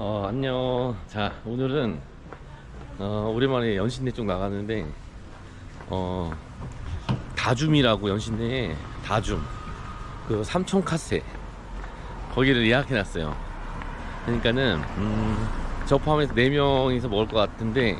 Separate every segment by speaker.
Speaker 1: 안녕. 자, 오늘은 오랜만에 연신내 쪽 나가는데 다줌이라고 연신내에 다줌 그 삼촌카세 거기를 예약해놨어요. 그러니까는 저 포함해서 4명이서 먹을 것 같은데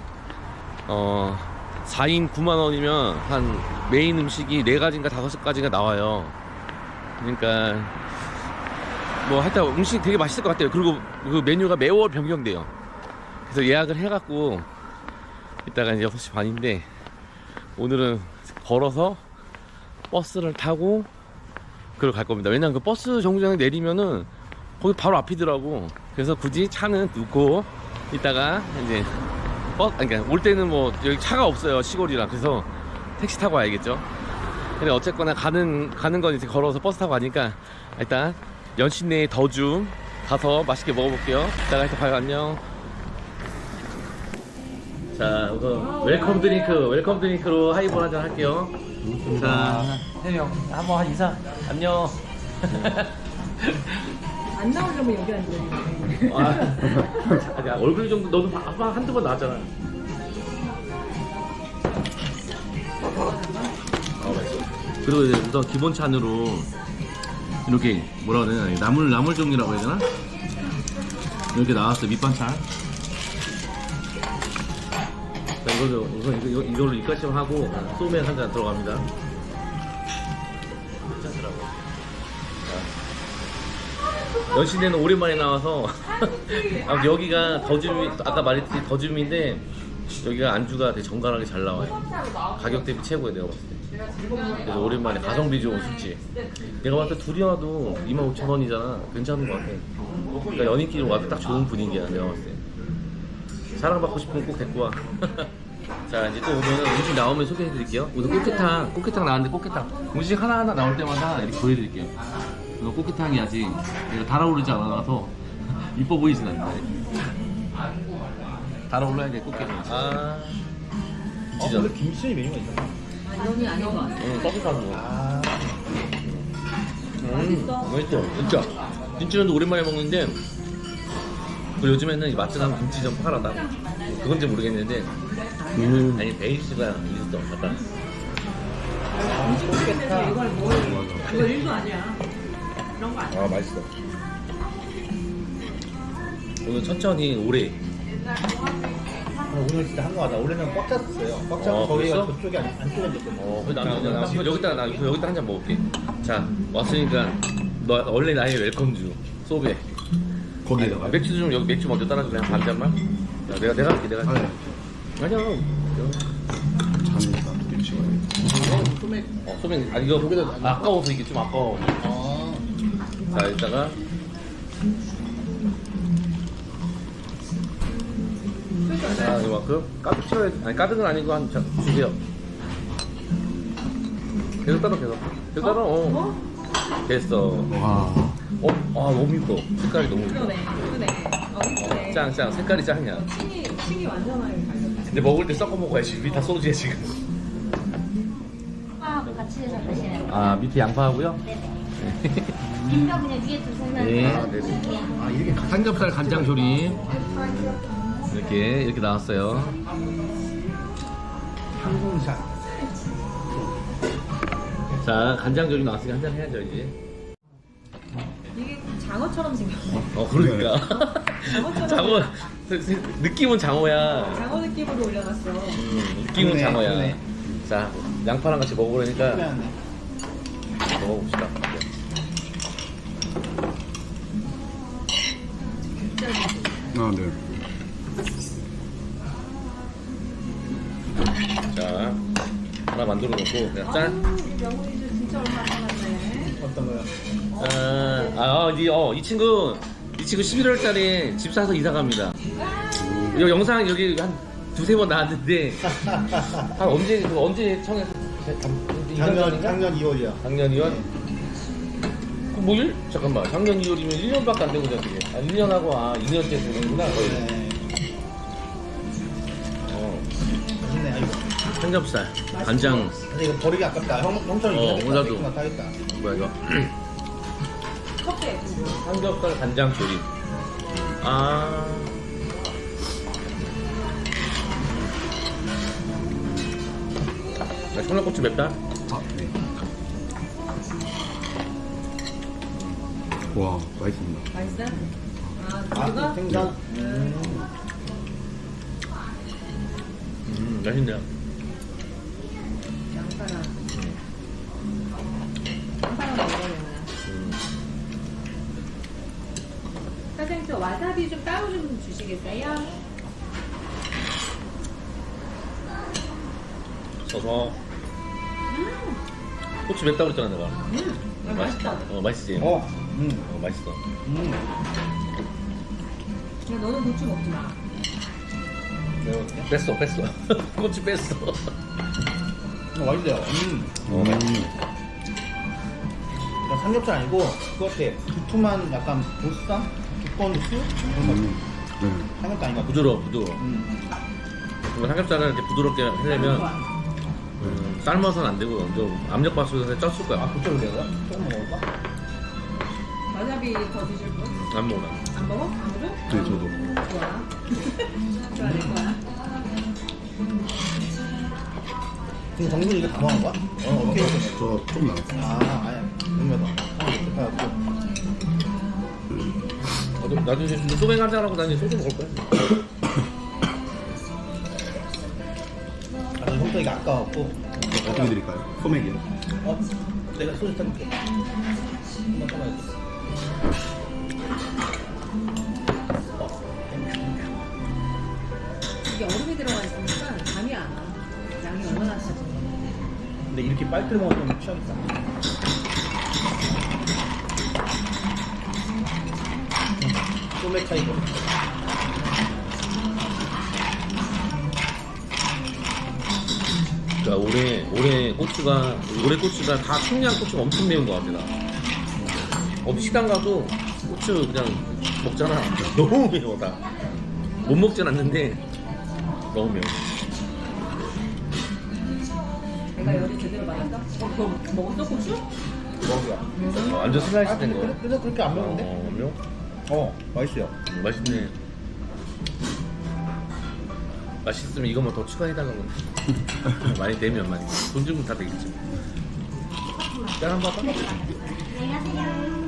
Speaker 1: 4인 9만원이면 한 메인 음식이 4가지인가 5가지가 나와요. 그러니까 뭐 하여튼 음식 되게 맛있을 것 같아요. 그리고 그 메뉴가 매월 변경돼요. 그래서 예약을 해갖고 이따가 이제 6시 반인데 오늘은 걸어서 버스를 타고 그걸 갈 겁니다. 왜냐면 그 버스 정류장에 내리면은 거기 바로 앞이더라고. 그래서 굳이 차는 두고 이따가 이제 그러니까 올 때는 뭐 여기 차가 없어요, 시골이라. 그래서 택시 타고 와야겠죠. 근데 어쨌거나 가는 건 이제 걸어서 버스 타고 가니까 일단 연신내에 더줌 가서 맛있게 먹어볼게요. 이따가 해서 봐요. 안녕. 자, 우선 웰컴 드링크로 하이볼 한잔 할게요. 자, 3명 한번 한 인사. 안녕.
Speaker 2: 안 나오려면 여기 앉아요.
Speaker 1: 아니, 얼굴 정도 너도 한두 번 나왔잖아. 맛있어. 그리고 이제 우선 기본 찬으로 이렇게 뭐라 그래야 되나, 나물 종류라고 해야 되나? 이렇게 나왔어요. 밑반찬. 자, 우선 이걸로 입가심 하고 소맥 한 잔 들어갑니다. 괜찮더라고. 연신내는 오랜만에 나와서 여기가 더줌이, 아까 말했듯이 더줌인데 여기가 안주가 되게 정갈하게 잘 나와요. 가격 대비 최고예요, 내가 봤을 때. 그래서 오랜만에 가성비 좋은 술집. 내가 봤을 때 둘이 와도 25,000원이잖아. 괜찮은 것 같아. 그러니까 연인끼리 와도 딱 좋은 분위기야, 내가 봤을 때. 사랑받고 싶으면 꼭 데리고 와. 자, 이제 또 오면은 음식 나오면 소개해드릴게요. 오늘 꽃게탕 나왔는데 꽃게탕 음식 하나하나 나올 때마다 이렇게 보여드릴게요. 이거 꽃게탕이 아직 얘가 달아오르지 않아서 이뻐 보이진 않는데 달아올라야 돼, 꽃게탕.
Speaker 3: 근데 김치 메뉴가 있나?
Speaker 2: 여기 아닌 것 같아.
Speaker 1: 서비스하는 거. 맛있어. 진짜. 김치전도 오랜만에 먹는데 그리고 요즘에는 이 마트 가면 김치전 팔아다. 그건지 모르겠는데 아니 베이스가 있었던 것 같다.
Speaker 2: 음식집에서 이걸 먹어요. 이거 일도 아니야. 그런 거 아니야.
Speaker 1: 맛있어. 오늘 천천히 오래.
Speaker 3: 오늘 진짜 한가하다. 원래는 꽉 찼었어요. 꽉 차고 저희가
Speaker 1: 그랬어?
Speaker 3: 저쪽에 안쪽에 앉았거든요.
Speaker 1: 나 여기다 한 잔 먹을게. 자, 왔으니까 너 원래 나의 웰컴주 소베.
Speaker 3: 거기다가
Speaker 1: 맥주 좀 여기 맥주 먼저 따라줄래? 한 반 잔만? 야, 내가 할게. 내가 할게. 아니야.
Speaker 3: 잠이다. 김치가.
Speaker 1: 소맥. 아니 이거 아까워서 이게 좀 아까워. 자, 이따가 자, 이만큼 가득 채워야. 아니 가득은 아니고 한 주세요. 계속 따라. 됐어.
Speaker 3: 와.
Speaker 1: 너무 이뻐. 색깔이 너무 이뻐.
Speaker 2: 그러네. 이쁘네.
Speaker 1: 짱. 색깔이 짱이야.
Speaker 2: 층이 완전하게 달렸다.
Speaker 1: 근데 먹을 때 섞어 먹어야지. 우리 다 소주야 지금.
Speaker 4: 양파하고 같이 해서 드시는
Speaker 1: 밑에 양파하고요?
Speaker 4: 네네. 김밥 그냥 위에 두시면
Speaker 1: 네. 이렇게 삼겹살 간장 조림 이렇게 나왔어요.
Speaker 3: 항공샷.
Speaker 1: 자, 간장 조림 나왔으니까 한잔 해야죠 이제.
Speaker 2: 이게 장어처럼 생겼네.
Speaker 1: 그러니까.
Speaker 2: 장어처럼.
Speaker 1: 장어. 느낌은 장어야.
Speaker 2: 장어 느낌으로 올려놨어.
Speaker 1: 느낌은
Speaker 3: 그러네,
Speaker 1: 장어야.
Speaker 3: 그러네.
Speaker 1: 자, 양파랑 같이 먹어보려니까 먹어봅시다.
Speaker 3: 네.
Speaker 1: 자, 하나 만들어 놓고 그냥 짠.
Speaker 2: 명훈이도 진짜 얼마 남았네.
Speaker 3: 어떤 거요?
Speaker 1: 이 친구 11월달에 집 사서 이사 갑니다. 이 영상 여기 한 두세 번 나왔는데 한 언제 청해서
Speaker 3: 작년 2월이야.
Speaker 1: 작년 2월? 뭐 잠깐만, 작년 2월이면 1년밖에 안 되고 저기 1년하고 2년째 되는구나 거의.
Speaker 3: 네. 맛있네. 이거.
Speaker 1: 삼겹살 간장.
Speaker 3: 근데 이거 버리기 아깝다. 형처럼
Speaker 1: 나도.
Speaker 3: 타겠다.
Speaker 1: 뭐야 이거?
Speaker 2: 컵에.
Speaker 1: 삼겹살 간장 조림. 아. 청양고추 맵다?
Speaker 5: 아, 네. 와, 맛있습니다.
Speaker 2: 맛있어? 아,
Speaker 3: 아,
Speaker 2: 그거?
Speaker 3: 생선.
Speaker 1: 맛있네요.
Speaker 2: 양파랑. 양파랑 먹어요. 사장님, 저 와사비 좀 따로 좀 주시겠어요?
Speaker 1: 써서. 고추 맵다고 그랬잖아, 내가.
Speaker 2: 맛있다.
Speaker 1: 맛있지?
Speaker 3: 어.
Speaker 1: 맛있어.
Speaker 2: 근데 너는 고추 먹지 마.
Speaker 1: 뺐어. 고추 뺐어.
Speaker 3: 맛있어요.
Speaker 1: 맛있어.
Speaker 3: 그냥 삼겹살 아니고 그거 같아. 두툼한 약간 보쌈? 두꺼운 술?
Speaker 5: 네.
Speaker 3: 삼겹살 아닌가?
Speaker 1: 부드러워. 이거 삼겹살을 이렇게 부드럽게 하려면 삶아서는 안 되고 좀 압력밥솥에 쪘을 거야.
Speaker 3: 아, 그쪽으로 내가? 조금 먹을까?
Speaker 2: 와사비 더 드실 분?
Speaker 1: 안 먹어.
Speaker 2: 안 먹어? 아무도?
Speaker 5: 네, 저도.
Speaker 2: 좋아. 좋아할 거야.
Speaker 3: 지금 정준 이거 다 먹은 거야? 어떻게 먹었어?
Speaker 5: 저 조금 남았어요.
Speaker 3: 아, 아니야. 음료도.
Speaker 1: 나도 이제 소맥 한잔 하고 나니 소주 먹을 거야.
Speaker 3: 아, 저 형도 이거 아까웠고.
Speaker 5: 어떻게 드릴까요? 소맥이요?
Speaker 3: 어? 내가 소주 타줄게. 한번 타봐야지.
Speaker 2: 이게 얼음이 들어가 있으니까 감이 안 와. 양이 얼마나 차지?
Speaker 3: 근데 이렇게 빨리 먹으면 취하겠다. 소맥 차이고.
Speaker 1: 그러니까 올해 고추가 다 청양 고추가 엄청 매운 것 같아 나. 시장 가도 고추 그냥 먹잖아. 너무 매워 다. 못 먹진 않는데 너무 매워.
Speaker 2: 내가 열이 제대로 받았어? 그거 먹었어, 고추?
Speaker 3: 먹어요.
Speaker 1: 완전 슬라이스 된 거.
Speaker 3: 그래서 그렇게 안 매운데?
Speaker 1: 매워?
Speaker 3: 맛있어요.
Speaker 1: 맛있네. 맛있으면 이것만 더 추가해달라고. 많이 되면 많이. 돈 주면 다 되겠지. 짠 한번 할까?
Speaker 5: 고맙습니다.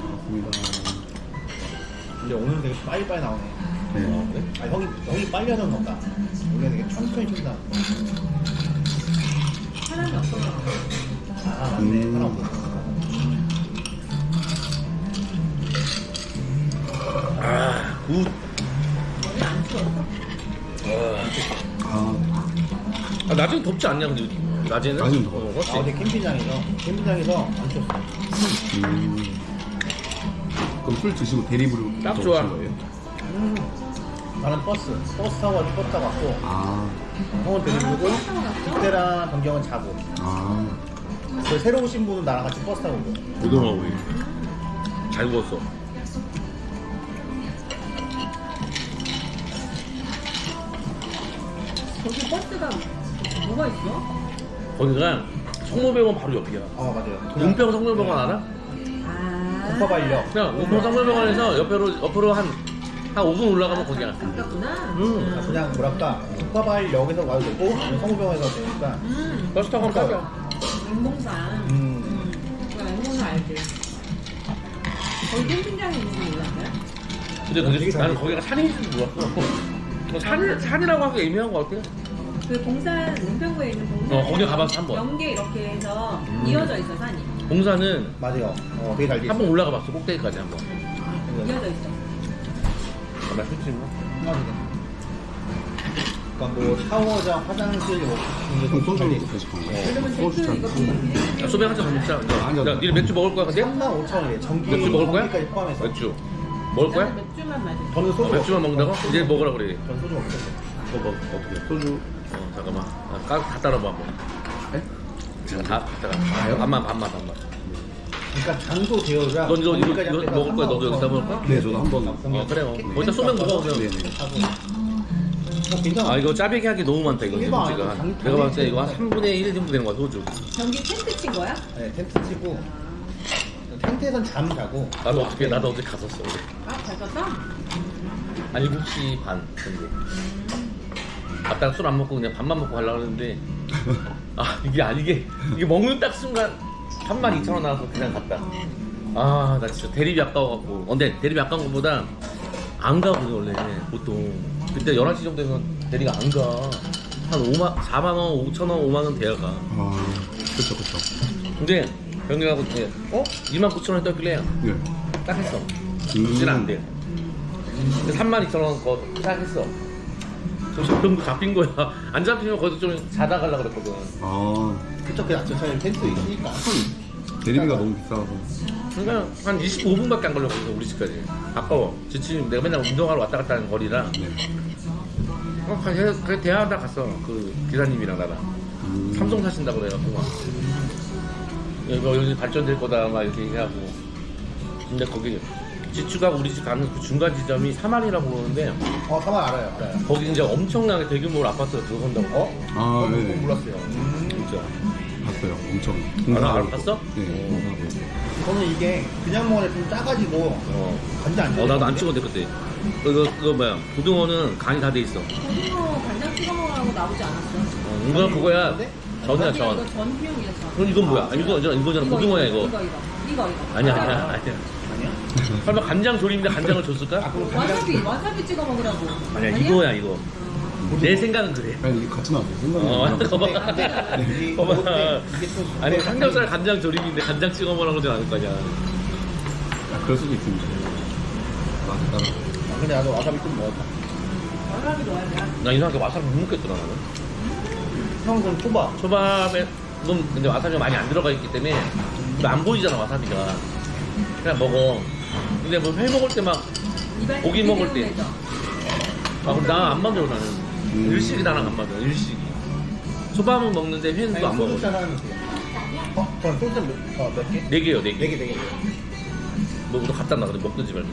Speaker 3: 근데 오늘 되게 빨리빨리 나오네.
Speaker 5: 네.
Speaker 1: 그래?
Speaker 3: 아, 형이 빨리 하던 건가? 원래 되게 천천히 춘다.
Speaker 2: 사람이 없어.
Speaker 3: 아, 맞네. 하나 없어.
Speaker 1: 아, 굿.
Speaker 5: 아,
Speaker 1: 낮에는 덥지 않냐, 근데 낮에는?
Speaker 5: 낮에는 더워.
Speaker 1: 그렇지.
Speaker 3: 아, 근데 캠핑장에서 안 쳤어.
Speaker 5: 그럼 술 드시고 대리부로
Speaker 1: 딱
Speaker 5: 더
Speaker 1: 좋아.
Speaker 5: 오신 거예요?
Speaker 3: 나는 버스 타고 와서 버스 타고 왔고,
Speaker 5: 아,
Speaker 3: 형은 데리고, 그때랑 변경은 자고.
Speaker 5: 아,
Speaker 3: 그 새로 오신 분은 나랑 같이 버스 타고 오고.
Speaker 1: 고등어 우리. 잘 구웠어.
Speaker 2: 거기 버스가 뭐가 있어?
Speaker 1: 거기가 성모병원 바로 옆이야.
Speaker 3: 아, 맞아요.
Speaker 1: 은평 성모병원 알아?
Speaker 2: 아.
Speaker 3: 국가발력.
Speaker 1: 그냥 은평 성모병원에서 옆으로 한 5분 올라가면 거기야.
Speaker 2: 가깝구나.
Speaker 3: 그냥 뭐랄까, 국가발역에서 와도 되고, 아니면 성우병원에서 되니까.
Speaker 1: 버스 타고 가면 가자.
Speaker 2: 맹봉산. 맹봉산 알지? 거기 캠핑장에 있는 거 몰랐어요?
Speaker 1: 근데 나는 거기가 산인지 몰랐어. 산이라고 하기 애매한 것 같아.
Speaker 2: 그 봉산, 은평구에 있는 봉산.
Speaker 1: 거기 가봤어, 한 번.
Speaker 2: 연계 이렇게 해서 이어져 있어, 산이.
Speaker 1: 봉사는
Speaker 3: 맞아요. 되게 잘 돼.
Speaker 1: 한 번 올라가 봤어, 꼭대기까지 한 번.
Speaker 2: 이어져 있어.
Speaker 1: 나 솔직히 뭐.
Speaker 3: 그러니까 뭐 샤워장, 화장실 뭐
Speaker 5: 그럼 소주
Speaker 3: 돼.
Speaker 5: 드실 건가요?
Speaker 2: 그러면
Speaker 5: 소주
Speaker 2: 대표 이거
Speaker 5: 잔.
Speaker 2: 비밀이야?
Speaker 1: 소맥 한잔 더 먹자.
Speaker 5: 아니요.
Speaker 1: 야, 니네 맥주 먹을 거야, 근데?
Speaker 3: 35,000원이에요. 전기
Speaker 1: 맥주 먹을 거야?
Speaker 3: 전기까지 포함해서.
Speaker 1: 맥주. 먹을 거야?
Speaker 2: 나는 맥주만 마셔.
Speaker 3: 저는 소주
Speaker 1: 맥주만 먹는다고? 이제 먹으라 그래.
Speaker 3: 전 소주 먹겠어요.
Speaker 1: 뭐 어떻게?
Speaker 5: 소주.
Speaker 1: 잠깐만. 다 따라봐 한번.
Speaker 5: 네?
Speaker 1: 제가 다 따라. 반만.
Speaker 3: 그러니까 장소 대여가
Speaker 1: 넌 이거
Speaker 3: 전기까지
Speaker 1: 먹을
Speaker 3: 합해서
Speaker 1: 거야? 너도 여기다 먹을 거야?
Speaker 5: 네, 저도 한번.
Speaker 1: 그래요. 거기다 소맥 먹어 그냥.
Speaker 5: 네네.
Speaker 3: 괜찮아.
Speaker 1: 아 이거 짜배기 하기 너무 많다 이거
Speaker 3: 일반
Speaker 1: 소주가.
Speaker 3: 아니고
Speaker 1: 내가 봤을 때 이거 한 3분의 1 정도 되는 거야 소주.
Speaker 2: 전기 텐트 친 거야?
Speaker 3: 네, 텐트 치고 텐트에선 잠 자고
Speaker 1: 나도 어제 갔었어.
Speaker 2: 아, 잘 썼다?
Speaker 1: 한 7시 반 정도. 갔다가 술 안 먹고 그냥 밥만 먹고 가려고 했는데 아 이게 먹는 딱 순간 32,000원 나와서 그냥 갔다. 아 나 진짜 대립이 아까워갖고. 근데 대립이 아까운 것보다 안 가거든 원래 보통. 그때 11시 정도 되면 대리가 안 가. 한 4만원, 5천원, 5만원 돼야 가.
Speaker 5: 아, 그쵸, 그쵸.
Speaker 1: 근데 병리하고 29,000원 떴길래
Speaker 5: 네.
Speaker 1: 딱 했어. 그지는 안 돼. 32,000원 거 딱 했어. 저 병도 잡힌 거야. 안 잡히면 거기서 좀 자다 가려고 그랬거든.
Speaker 5: 아,
Speaker 3: 그쵸, 그 아침에 텐트 있으니까.
Speaker 5: 대리비가 너무 비싸서.
Speaker 1: 그러니까 한 25분밖에 안 걸렸거든 우리 집까지. 가까워. 지금 내가 맨날 운동하러 왔다 갔다 하는 거리라.
Speaker 5: 네.
Speaker 1: 그래 대화하다 갔어. 그 기사님이랑 나랑. 삼성 사신다고 그래갖고 막 이거 여기 발전될 거다 막 이렇게 얘기하고. 근데 거기 지추가고 우리 집 가는 그 중간 지점이 사만이라고 그러는데
Speaker 3: 사만 알아요.
Speaker 1: 거기 이제 엄청나게 대규모로 아파트가 들어선다고.
Speaker 5: 아, 네.
Speaker 3: 몰랐어요.
Speaker 1: 진짜.
Speaker 5: 봤어요. 엄청.
Speaker 1: 봤어?
Speaker 5: 네.
Speaker 3: 저는 이게 그냥 먹으면 좀 짜가지고 간장 안
Speaker 1: 나도 안 찍었는데 그때. 그거 뭐야? 고등어는 간이 다 돼 있어.
Speaker 2: 고등어 간장 찍어 먹으라고 나오지 않았어?
Speaker 1: 이건 그거야. 전이야
Speaker 2: 이거
Speaker 1: 전.
Speaker 2: 전비용이야 전.
Speaker 1: 그럼 이건 뭐야? 이거잖아. 고등어야 이거.
Speaker 2: 이거.
Speaker 1: 아니야. 설마 간장 조림인데 간장을 줬을까?
Speaker 2: 와사비 찍어 먹으라고.
Speaker 1: 아니야 이거야 이거. 내 생각은 그래.
Speaker 5: 아니, 이게 같이 나왔어요. 생각이
Speaker 1: 거봐.
Speaker 3: 이게
Speaker 1: 거봐.
Speaker 3: 이게 또
Speaker 1: 아니 삼겹살 간장 조림인데 간장 찍어 먹으라고 하진 않을 거냐.
Speaker 5: 아, 그럴 수도 있습니다. 맞아, 따라.
Speaker 3: 근데 나도 와사비 좀 먹었다.
Speaker 2: 와사비 넣어야 돼.
Speaker 1: 나 이상하게 와사비 못 먹겠더라 나는.
Speaker 3: 형 그럼 초밥.
Speaker 1: 초밥에 넌 근데 와사비가 많이 안 들어가 있기 때문에 안 보이잖아 와사비가. 그냥 먹어. 근데 뭐 회 먹을 때 막 고기 먹을 때. 그럼 나 안 맞아 나는. 일식이 나랑 안 맞아. 일식이. 초밥은 먹는데 회는 또 안 먹어.
Speaker 3: 소주 하나 주세요. 그럼 소주 몇 개?
Speaker 1: 4개요 4개.
Speaker 3: 네 개, 네 개.
Speaker 1: 너 갖다 놔. 그래 먹든지 말고.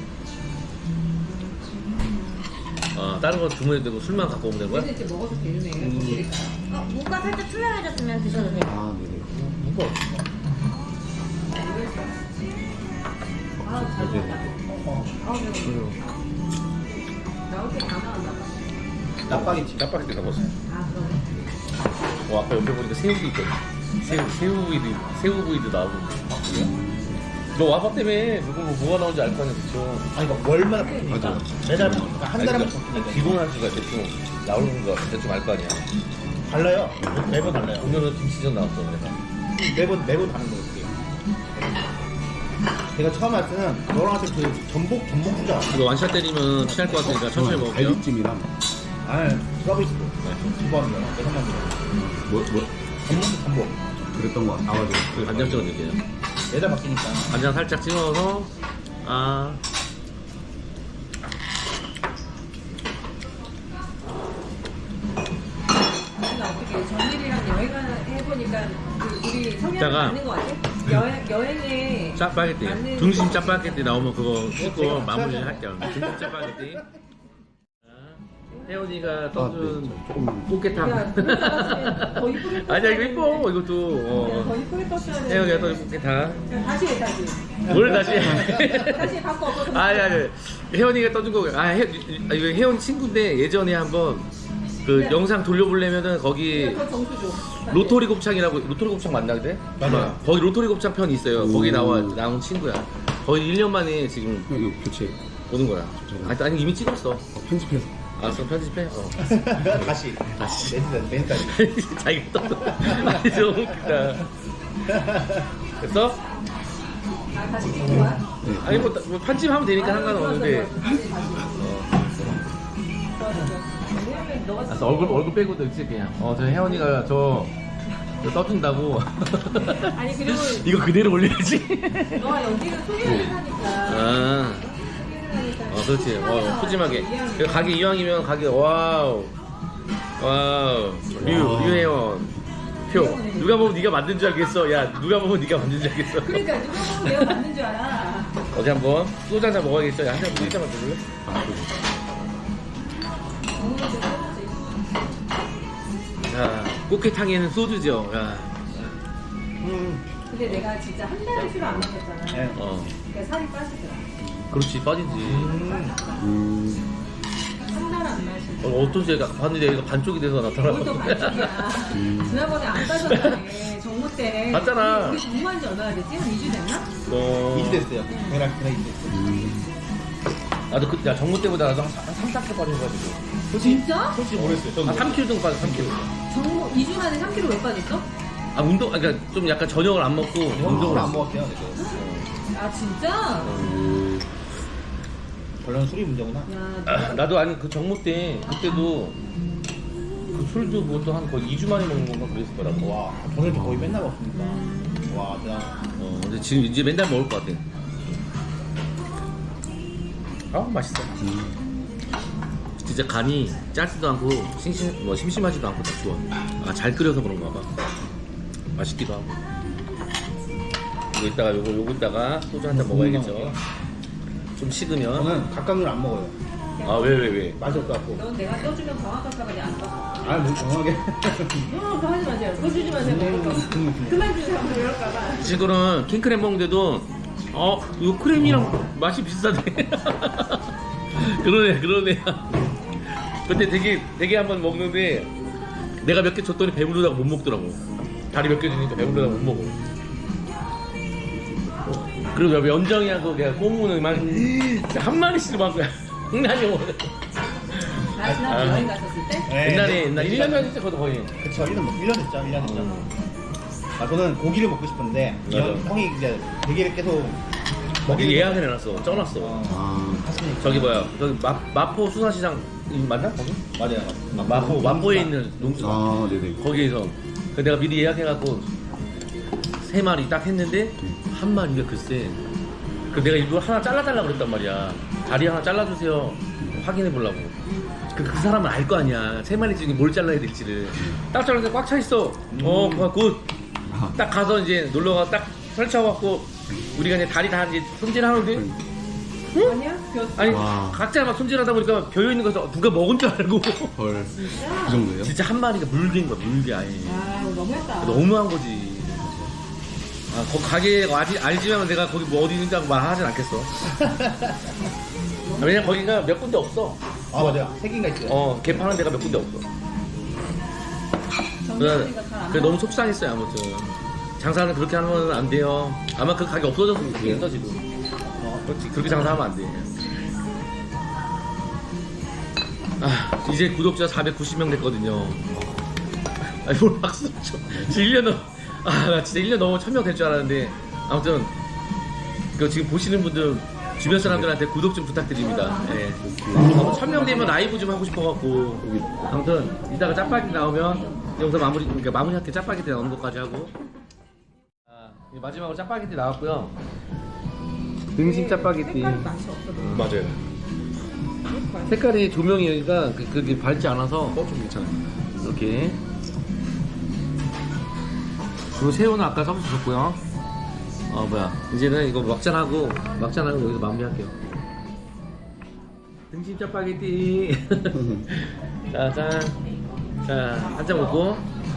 Speaker 1: 다른 거 주문해도 되고 술만 갖고 오면 되는 거야?
Speaker 2: 근데 이제 먹어도 되네.
Speaker 4: 무가 살짝 투명해졌으면 드셔도 돼요.
Speaker 5: 아, 네네.
Speaker 3: 무거.
Speaker 2: 잘 먹었다. 나올 때 다 나왔나 봐.
Speaker 3: 짜파게티.
Speaker 1: 짜파게티 먹었어.
Speaker 2: 그러네.
Speaker 1: 아까 옆에 보니까 새우도 있거든. 새우구이도 나오고. 너 와봐 때문에 뭐가 나오는지 알 거 아니야, 그쵸?
Speaker 3: 아니 이거 월마다 바뀌니까.
Speaker 5: 맞아.
Speaker 3: 매달 한 달에 한 번 바뀌니까.
Speaker 1: 기본 한 수가 대충 나오는 거 대충 알 거 아니야.
Speaker 3: 달라요. 매번 달라요.
Speaker 1: 오늘은 김치전 나왔어, 그래서.
Speaker 3: 매번 다른 거 어떻게? 제가 처음 할 때는 너랑 할 때 그 전복 주자.
Speaker 1: 이거 완샷 때리면 취할 것 같으니까 천천히 먹을게요.
Speaker 5: 갈비찜이랑,
Speaker 3: 아 서비스. 두번 내가 한번
Speaker 5: 뭐,
Speaker 3: 전복.
Speaker 5: 그랬던 거 같아. 아, 맞아.
Speaker 1: 그 간장 찍어 드릴게요.
Speaker 3: 매달 바뀌니까.
Speaker 1: 간장 살짝 찍어서,
Speaker 2: 어떻게 정일이랑 여행 해보니까 우리 성향이
Speaker 1: 이따가
Speaker 2: 맞는 것 같아? 여행에
Speaker 1: 짜파게티.
Speaker 2: 맞는
Speaker 1: 등심 짜파게티 나오면 그거 찍고 마무리 할게요. 등심 짜파게티. 혜원이가 떠준
Speaker 5: 조금.
Speaker 1: 꽃게탕.
Speaker 2: 야, 그걸 잡았으면 더 이쁘게 떴어야
Speaker 1: 아니야, 이거 이뻐.
Speaker 2: 되는데.
Speaker 1: 이것도.
Speaker 2: 더 이쁘게 떴어야 돼.
Speaker 1: 혜원이가 떠준 꽃게탕.
Speaker 2: 다시 해, 다시.
Speaker 1: 뭘 다시
Speaker 2: 다시 갖고 엎어서.
Speaker 1: 아니 혜원이가 떠준 거 이거 혜원 친구인데 예전에 한번 그
Speaker 2: 네.
Speaker 1: 영상 돌려보려면은 거기
Speaker 2: 더 정수 줘.
Speaker 1: 로토리 곱창이라고 로토리 곱창 맞나 그때?
Speaker 3: 맞아요.
Speaker 1: 거기 로토리 곱창 편이 있어요. 거기 나온 친구야. 거의 1년 만에 지금
Speaker 5: 형, 이거 교체.
Speaker 1: 오는 거야. 아니 이미 찍었어.
Speaker 5: 편집해서.
Speaker 1: 알았어 편집해.
Speaker 3: 다시. 멘트까지.
Speaker 1: 자기가 떠. 아니 너무 웃기다. 됐어?
Speaker 2: 다시 찍는 거야?
Speaker 5: 네.
Speaker 1: 아니 뭐 편집하면 되니까 상관은 없는데.
Speaker 2: 다시. 왜냐면 너가
Speaker 1: 알았어 얼굴 빼고도 있지 그냥. 저 혜원이가 저 떠준다고.
Speaker 2: 아니 그리고
Speaker 1: 이거 그대로 올려야지.
Speaker 2: 너가 여기는 소개를 하니까.
Speaker 1: 아, 그렇지. 푸짐하게. 그리고 가게 이왕이면 가게 와우. 류혜원. 표. 누가 보면 네가 만든 줄 알겠어. 야, 누가 보면 네가 만든 줄 알겠어.
Speaker 2: 그러니까 누가 보면 내가 맞는 줄 알아.
Speaker 1: 어디 한번 소주 한잔 먹어야겠어. 야, 한잔 물리자 만들래? 자, 꽃게탕에는 소주죠. 야.
Speaker 2: 근데 내가 진짜 한 달을 술을 안 먹었잖아.
Speaker 3: 네.
Speaker 1: 어.
Speaker 2: 그러니까 살이 빠지더라.
Speaker 1: 그렇지 빠지지.
Speaker 2: 한 달 안 마시고.
Speaker 1: 어떤 새가 봤는데 얘가 반쪽이 돼서
Speaker 2: 뭘또
Speaker 1: 나타나거든.
Speaker 2: 반쪽이야. 지난번에 안 빠졌다네. 정모 때.
Speaker 1: 봤잖아.
Speaker 2: 우리 정모한 지 얼마나 됐지? 한 2주 됐나?
Speaker 3: 2주 됐어요. 배락 2주 됐어요.
Speaker 1: 나도 그때 정모 때보다 나도 한 3, 4kg 빠져가지고.
Speaker 2: 진짜?
Speaker 3: 솔직히 모르겠어요.
Speaker 1: 한 3kg 정도 빠져 3kg.
Speaker 2: 정모 2주 만에 3kg 왜 빠졌어?
Speaker 1: 아 운동 그러니까 좀 약간 저녁을 안 먹고 운동을
Speaker 3: 운동을 안 먹었대요.
Speaker 2: 아 진짜?
Speaker 3: 원래는 술이 문제구나.
Speaker 2: 야,
Speaker 1: 나도 아니 그 정모 때 그때도 그 술도 그것도 한 거의 2주 만에 먹는 건가 그랬을 거라고.
Speaker 3: 와, 저는 거의 맨날 먹습니다. 와, 대단.
Speaker 1: 근데 지금 이제 맨날 먹을 것 같아. 맛있어. 진짜 간이 짜지도 않고 심심하지도 않고 딱 좋아. 잘 끓여서 그런가 봐. 맛있기도 하고. 이거 이따가 요거 이따가 소주 한 잔 먹어야겠죠. 좀 식으면.
Speaker 3: 저는 각각을 안 먹어요.
Speaker 1: 왜?
Speaker 3: 맛이 없어갖고.
Speaker 2: 넌 내가 떠주면 정확할까봐 내가 안 떠.
Speaker 3: 뭐 정확하게.
Speaker 2: 그거 하지 마세요. 그거 주지 마세요. 그만 주세요. 이럴까봐.
Speaker 1: 지금은 킹크랩 먹는데도 이거 크림이랑 맛이 비슷하네. 그러네. 근데 되게 한번 먹는데 내가 몇 개 줬더니 배부르다고 못 먹더라고. 다리 몇 개 주니까 배부르다고 못 먹어. 그리고 연정이하고 내가 꼬무는 막 한 마리씩 막 장난이 먹어.
Speaker 2: 나 지난번 여행 갔었을 때?
Speaker 1: 옛날에 1년 전에 진짜 거의.
Speaker 3: 그쵸, 1년 됐죠. 1년 됐죠. 저는 고기를 먹고 싶은데
Speaker 1: 맞아.
Speaker 3: 형이 이제 대게를 계속
Speaker 1: 거기 예약을 해놨어. 쪄놨어.
Speaker 3: 하시니까.
Speaker 1: 저기 뭐야? 저기 마포 수산시장 맞나? 거기?
Speaker 3: 맞아요.
Speaker 1: 마포에 있는 농수산.
Speaker 5: 네네.
Speaker 1: 거기에서 내가 미리 예약해갖고 3마리 딱 했는데 한 마리가 글쎄 그 내가 일부러 하나 잘라달라고 그랬단 말이야. 다리 하나 잘라주세요 확인해 보려고. 그 사람은 알 거 아니야 3마리 중에 뭘 잘라야 될지를. 딱 잘랐는데 꽉 차 있어. 굿. 딱 가서 이제 놀러가 딱 설치하고 우리가 이제 다리 다 이제 손질하는데
Speaker 2: 아니야? 비었어.
Speaker 1: 아니
Speaker 5: 와.
Speaker 1: 각자 막 손질하다 보니까 비어 있는 거서 누가 먹은 줄 알고
Speaker 5: 헐. 그 정도예요?
Speaker 1: 진짜 한 마리가 물개인 거야 물개 아예.
Speaker 2: 아, 이거 너무했다.
Speaker 1: 너무한 거지. 거 가게 알지만 내가 거기 뭐 어디 있는지 말하진 않겠어. 왜냐면 거기가 몇 군데 없어.
Speaker 3: 맞아요. 3개인가 있어요.
Speaker 1: 개 파는 데가 몇 군데 없어.
Speaker 2: 정모니까 잘안
Speaker 1: 그래 너무 속상했어요 아무튼. 장사는 그렇게 하면 안 돼요. 아마 그 가게 없어졌으면 좋겠어 지금. 그렇지 그렇게 장사하면 안 돼. 이제 구독자 490명 됐거든요. 아니 뭘 박수 쳐. 진짜 1년 나 진짜 1년 넘어 1000명 될 줄 알았는데 아무튼 그 지금 보시는 분들 주변 사람들한테 구독 좀 부탁드립니다. 예. 1000명 되면 라이브 좀 하고 싶어갖고 아무튼 이따가 짜파게티 나오면 여기서 마무리할게. 짜파게티 나오는 것까지 하고 마지막으로 짜파게티 나왔고요. 등심 짜파게티.
Speaker 2: 색깔이 맛이 없어.
Speaker 1: 맞아요. 색깔이 조명이니까 그게 밝지 않아서
Speaker 5: 좀 괜찮아요.
Speaker 1: 이렇게. 그리고 새우는 아까 서비스 줬고요. 이제는 이거 막잔하고 여기서 마무리할게요. 등심 짜파게티. 자, 한 잔 먹고.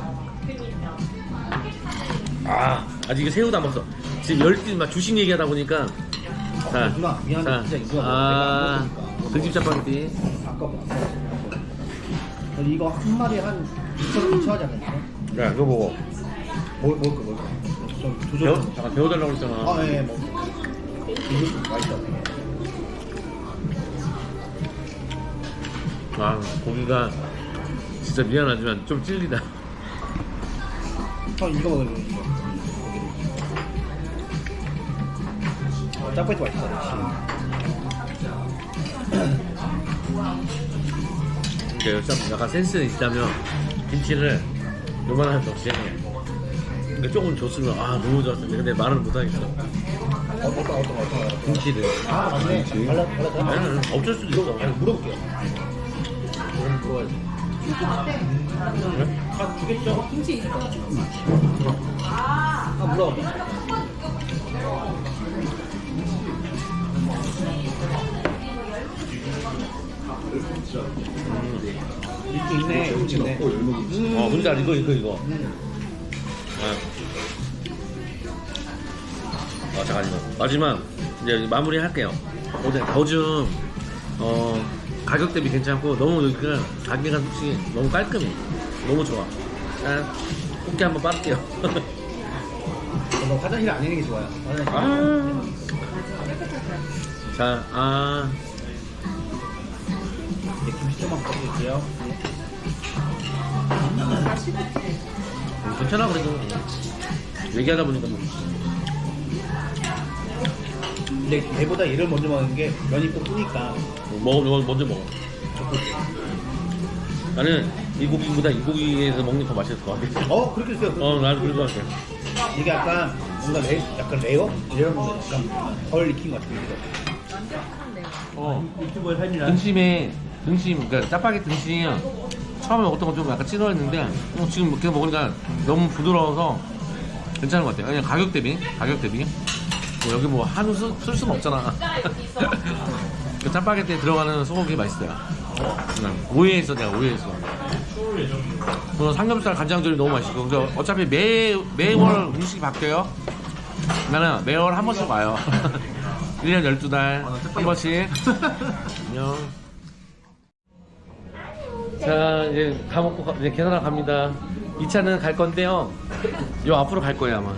Speaker 1: 아직 이거 새우도 안 먹었어. 지금 열띠 막 주식 얘기하다 보니까.
Speaker 3: 누나, 미안해. 진짜 이거 내가 안 먹으니까.
Speaker 1: 등심 짜파게티.
Speaker 3: 아까보다. 이거 한 마리에 한 2,000 하잖아요.
Speaker 1: 야, 이거 먹어.
Speaker 3: 먹을 거. 좀 조절 좀.
Speaker 1: 잠깐 배워달라고 했잖아.
Speaker 3: 예, 뭐. 이거 맛있다.
Speaker 1: 고기가 진짜 미안하지만 좀 찔리다.
Speaker 3: 형 이거 먹으면 이거. 짜파게티 맛있다.
Speaker 1: 근데 약간 센스 있다면 김치를 요만한 접시에 근데 조금 줬으면 너무 좋았을 텐데 근데 말을 못하겠어.
Speaker 3: 어떤
Speaker 1: 김치를
Speaker 3: 맞네. 발라.
Speaker 1: 어쩔 수도 있어.
Speaker 3: 물어볼게요.
Speaker 1: 물어봐야지.
Speaker 3: 주겠죠?
Speaker 2: 김치 있어.
Speaker 3: 물어봐. 있네. 있네.
Speaker 1: 뭔지 알아? 이거. 잠깐만요. 마지막 이제 마무리 할게요. 더줌 가격 대비 괜찮고 너무 여기가 가게가 솔직히 너무 깔끔해. 너무 좋아. 자, 꽃게 한번 빠를게요.
Speaker 3: 너 화장실 안 있는 게 좋아요. 화장실.
Speaker 1: 자,
Speaker 3: 이제 김치 좀만 먹어볼게요.
Speaker 1: 괜찮아 그래도 얘기하다 보니까 뭐.
Speaker 3: 근데 배보다 얘를 먼저 먹는 게 면이 꼭 뜨니까.
Speaker 1: 먼저 먹어. 나는 이 고기보다 이 고기에서 먹는 게 더 맛있을 것 같아.
Speaker 3: 그렇게 있어요.
Speaker 1: 나는 그럴 것 같아.
Speaker 3: 이게 약간 뭔가 약간 레어? 이런 거 약간 덜 익힌 것 같은데. 유튜버의 삶이라.
Speaker 1: 등심, 그러니까 짜파게티 등심 처음에 먹었던 건 좀 약간 찌러했는데 지금 이렇게 먹으니까 너무 부드러워서 괜찮은 것 같아요. 그냥 가격 대비 뭐 여기 뭐 한우 쓸 수는 없잖아. 그 짜파게티에 들어가는 소고기 맛있어요. 오해했어. 그리고 삼겹살 간장조림 너무 맛있고. 그래서 어차피 매월 음식이 바뀌어요. 나는 매월 한 번씩 와요. 1년 12달 한 번씩. 안녕. 자, 이제 다 먹고 이제 계산하러 갑니다. 2차는 갈 건데요. 요 앞으로 갈 거예요 아마.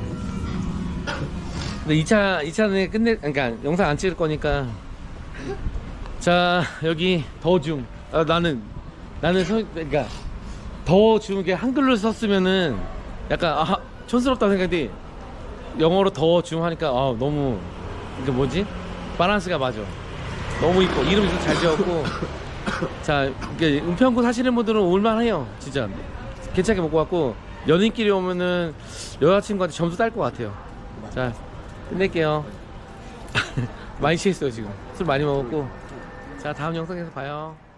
Speaker 1: 근데 2차는 그러니까 영상 안 찍을 거니까. 자, 여기 더줌. 나는 그러니까 더줌 이게 한글로 썼으면은 약간 촌스럽다 생각인데 영어로 더줌 하니까 너무 이게 뭐지? 밸런스가 맞아. 너무 이뻐. 이름도 잘 지었고. 자, 이게 은평구 사시는 분들은 올만해요. 진짜 괜찮게 먹고 왔고 연인끼리 오면은 여자친구한테 점수 딸 것 같아요. 자, 끝낼게요. 많이 취했어요 지금. 술 많이 먹었고. 자, 다음 영상에서 봐요.